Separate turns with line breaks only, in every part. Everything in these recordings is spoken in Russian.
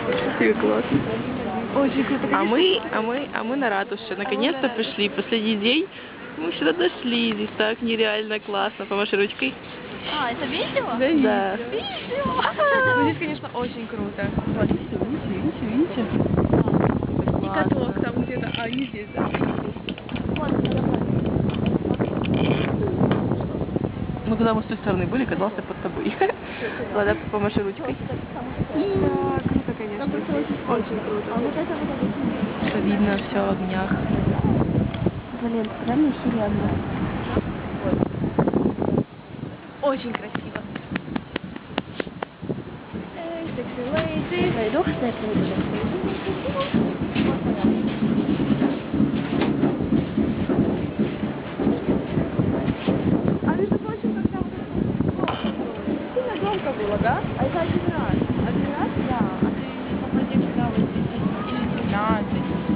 Классно.
Очень круто.
А мы на ратуше. Наконец-то пришли. Последний день. Мы сюда дошли. Здесь так нереально классно. Помаши ручкой.
А, это видео?
Да.
Видео!
Ну, здесь, конечно, очень круто.
Вот, видите?
И каток там где-то, а не здесь, да?
Ну, когда мы с той стороны были, катался под тобой. Ладно, помаши ручкой.
Да, круто, конечно. Очень круто.
Все видно, все в огнях.
Блин, реально серьезно.
Очень красиво.
Пойду, кстати,
А между прочим, когда вот это сильно громко было, да? А это один раз. Один раз? Да. А ты попади сюда вот здесь или 15,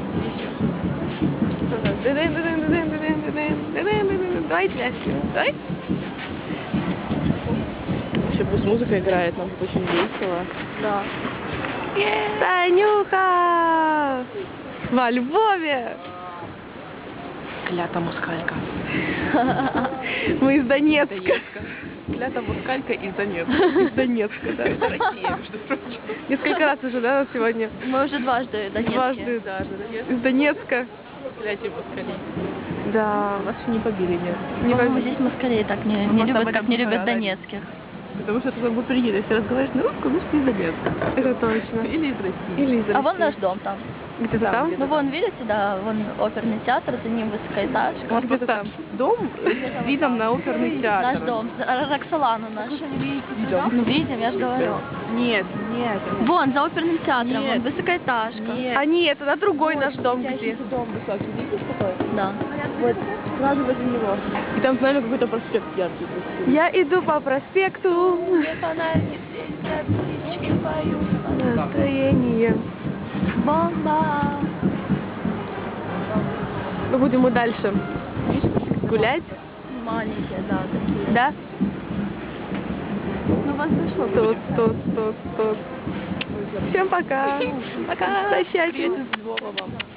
или еще. Давай пляски. Давай.
Вообще пусть музыка играет, нам тут очень весело.
Да.
Танюха! Во Львове! Клята москалька. Мы из Донецка. Клята москалька из Донецка. Из Донецка, да. Это Россия, между прочим. Несколько раз уже, да, сегодня?
Мы уже дважды донецкие.
Дважды даже. Из Донецка. Кляте москалей. Да, вас еще не побили, нет. Не
По-моему,
побили.
здесь москалей так не
просто
любят,
об
как
этом
не
не
любят
говорили.
донецких.
Потому что ты как бы приедешь, если разговариваешь на русском, значит, ты из Донецка. Это точно. Или из России. Или из России.
А вон наш дом там.
Где-то там?
Ну вон, видите, да, вон оперный театр, за ним высокоэтажка.
У нас просто дом с видом на оперный театр.
Наш дом, Роксолана наш. Ну видим, я же говорю.
Нет, нет.
Вон, за оперным театром,
Нет.
вон высокоэтажка.
Нет. А нет, это другой наш дом где.
Дом высокий, видишь такой?
Да.
Вот, сразу возле него.
И там, знаешь, какой-то проспект яркий.
Я иду по проспекту.
Фонарики светят, птички поют.
Настроение.
Бомба.
Ну, будем мы дальше гулять,
Маленькие, да, такие.
да?
Ну, вас зашло.
Тот. Всем пока. Пока. Прощайте. Привет из Львова вам.